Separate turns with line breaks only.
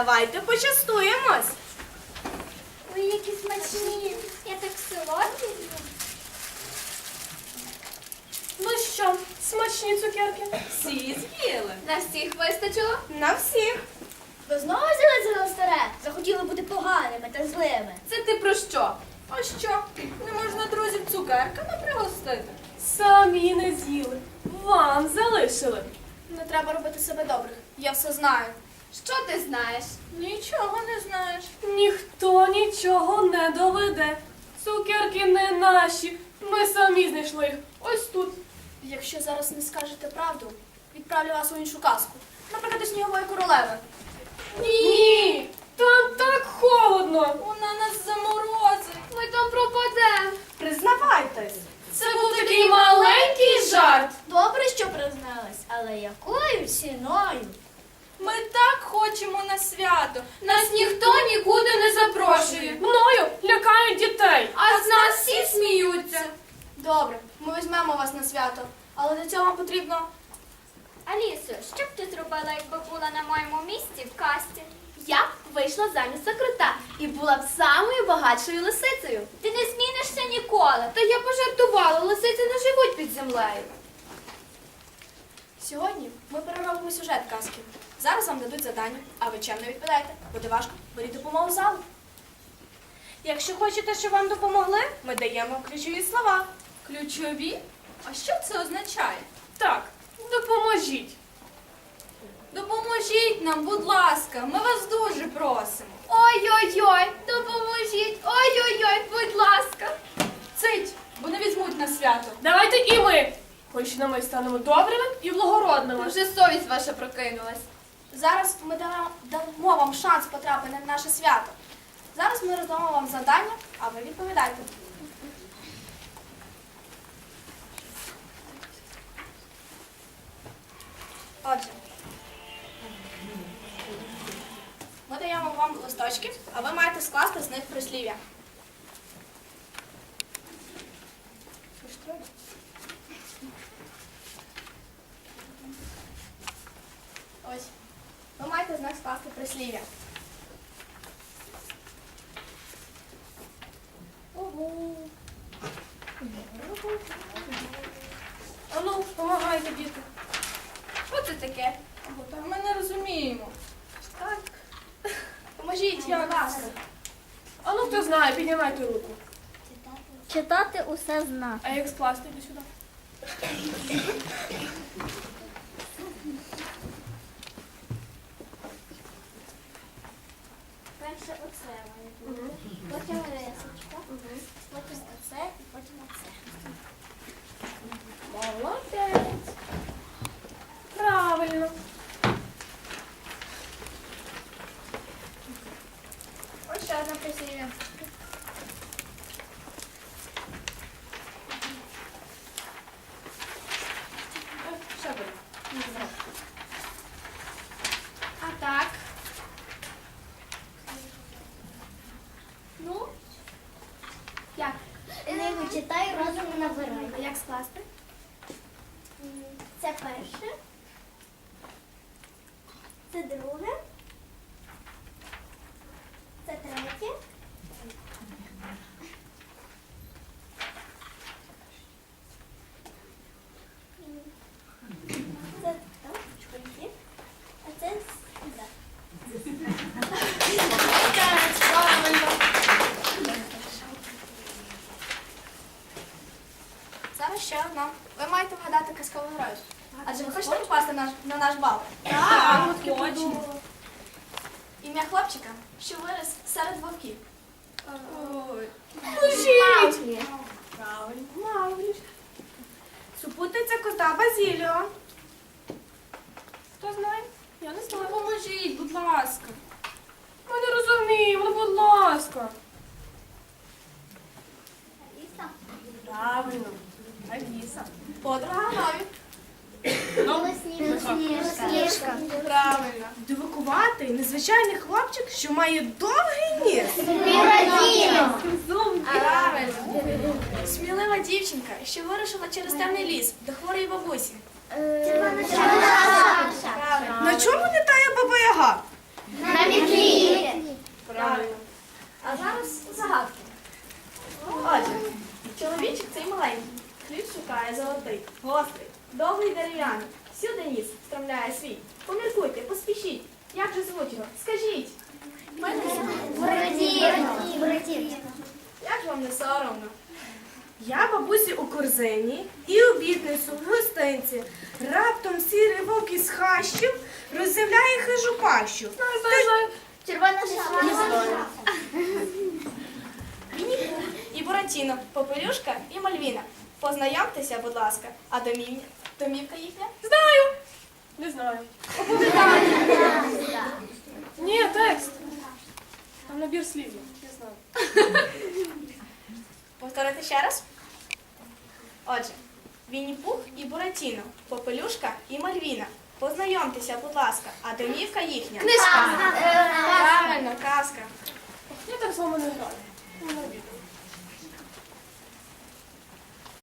Давайте почастуємось.
Ой, які смачні. Я так солодкі.
Ну що, смачні цукерки? Всі з'їли.
На всіх вистачило?
На всіх.
Ви знову взялися за старе? Захотіли бути поганими та злими.
Це ти про що? А що? Не можна друзів цукерками пригостити? Самі не з'їли. Вам залишили.
Не треба робити себе добрих. Я все знаю. Що ти знаєш?
Нічого не знаєш. Ніхто нічого не доведе. Цукерки не наші. Ми самі знайшли їх. Ось тут.
Якщо зараз не скажете правду, відправлю вас у іншу казку. Наприклад, до Снігової королеви.
Ні! Там так холодно.
Вона нас заморозить. Ми там пропадемо.
Признавайтесь. Це був такий маленький жарт.
Добре, що признались, але якою ціною?
Ми так хочемо на свято. Нас ніхто нікуди не запрошує. Мною лякають дітей. А з нас всі сміються.
Добре, ми візьмемо вас на свято, але для цього вам потрібно...
Алісо, що б ти зробила, якби була на моєму місці в касті?
Я б вийшла замість за крота і була б самою багатшою лисицею.
Ти не змінишся ніколи. Та я пожартувала, лисиці не живуть під землею.
Сьогодні ми переробимо сюжет казки. Зараз вам дадуть завдання, а ви чемно відповідаєте. Буде важко, беріть допомогу з залу.
Якщо хочете, щоб вам допомогли, ми даємо ключові слова. Ключові? А що це означає? Так, допоможіть. Допоможіть нам, будь ласка, ми вас дуже просимо.
Ой-ой-ой, допоможіть, ой-ой-ой, будь ласка.
Цить, бо не візьмуть на свято. Давайте і ми. Хоч на ми станемо добрими і благородними.
Вже совість ваша прокинулась.
Зараз ми дамо вам шанс потрапити на наше свято. Зараз ми роздамо вам завдання, а ви відповідайте. Отже, ми даємо вам листочки, а ви маєте скласти з них прислів'я. Ось. Ви маєте з них скласти прислів'я.
А ну, допомагайте, діти.
Що це таке?
Та ми не розуміємо.
Так. Поможіть, будь ласка.
А ну, хто знає, піднімайте руку.
Читати усе зна.
А як скласти, йди сюди.
Перше оце має бути. Потім рисочка. Потім оце і потім оце.
Молодець. Правильно.
Ось ще одне прислів'я.
Ще бери.
А так. Ну, як?
Не вичитай, розум не набирай.
А як скласти?
Це перше. Це друге. Це третє. Це там, чоловіки. А це сюди.
Правильно. Зараз ще одна. Ви маєте вгадати казкового героя. Адже ви хочете попасти на наш бал?
Так, хочемо.
Ім'я хлопчика, що виріс серед вовків.
Ой.
Правильно.
Мауглі. Супутниця кота Базіліо. Хто знає? Я не знаю. Допоможіть, будь ласка. Ми не розуміємо, ну, будь ласка.
Аліса.
Правильно. Аліса.
Подруга Нові.
Сніжка.
Правильно.
Дивакуватий, незвичайний хлопчик, що має довгий ніс.
Пірадіно.
Правильно. Смілива дівчинка, що вирушила через темний ліс до хворої бабусі.
Червона
Правильно.
На чому літає баба Яга?
На мітлі.
вимовляє свій. Поміркуйте, поспішіть. Як же звуть його? Скажіть. Як ж вам не соромно?
Я бабусі у корзині і обідницю в гостинці. Раптом сірий вовк із хащів роззявляє хижу пащу.
Червона шапка.
Вінні-Пух і Буратіно, Попелюшка і Мальвіна. Познайомтеся, будь ласка. А домівка їхня?
Знаю. Не знаю. Ні, текст. Там набір слів. Не знаю.
Повторити ще раз? Отже, Вінні-Пух і Буратіно, Попелюшка і Мальвіна. Познайомтеся, будь ласка. А домівка їхня?
Книжка.
Правильно, казка.
Я так з вами не граю. Мене обідно.